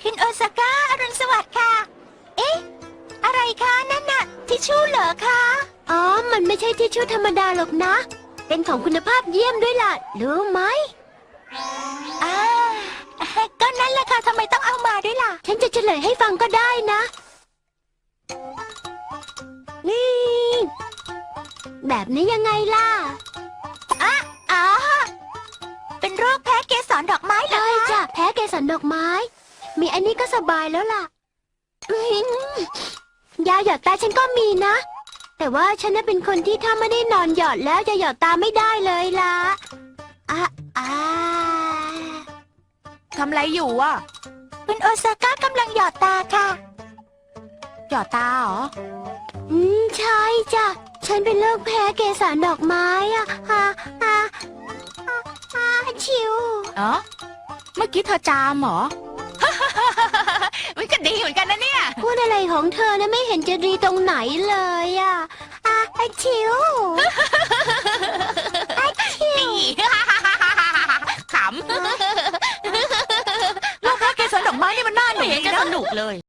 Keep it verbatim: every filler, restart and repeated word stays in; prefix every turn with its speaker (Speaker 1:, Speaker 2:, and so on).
Speaker 1: คุณโอซาก้าอรุณสวัสดิ์ค่ะ เอ๊ะ อะไรคะนั่นน่ะทิชชู่เหรอคะ
Speaker 2: อ๋อ มันไม่ใช่ทิชชู่ธรรมดาหรอกนะ เป็นของคุณภาพเยี่ยมด้วยล่ะ รู้ไหม
Speaker 1: อ่าก็นั่นแหละค่ะทำไมต้องเอามาด้วยล่ะ
Speaker 2: ฉันจะเฉลยให้ฟังก็ได้นะ นี่ แบบนี้ยังไงล่ะ
Speaker 1: อ่ะอ๋อเป็นโรคแพ้เกสรดอกไม้เหรอ
Speaker 2: ใช่
Speaker 1: คะ
Speaker 2: จ้ะแพ้เกสรดอกไม้ มีอันนี้ก็สบายแล้วล่ะอื้อหือยาหยอดตาฉันก็มีนะ แต่ว่าฉันน่ะเป็นคนที่ถ้าไม่ได้นอนหยอดแล้วจะหยอดตาไม่ได้เลยล่ะอ่ะอ่า
Speaker 3: ทำอะไรอยู่อ่ะ
Speaker 1: คุณโอซาก้ากำลังหยอดตาค่ะ
Speaker 3: หยอดตาเหรอ
Speaker 2: อืมใช่จ้ะ ฉันเป็นโรคแพ้เกสรดอกไม้อ่ะฮ่าฮ่าฮ่าฮ่าชิว
Speaker 3: เออเมื่อกี้เธอจามเหรอ มันก็ดีเหมือนกันนะเนี่ย
Speaker 2: พูดอะไรของเธอนะไม่เห็นจะดีตรงไหนเลยอ่ะอ่ะอ่ะชิว
Speaker 3: ขำ โรคแพ้เกสรดอกไม้นี่มันน่าหนุกดีนะสนุกเลย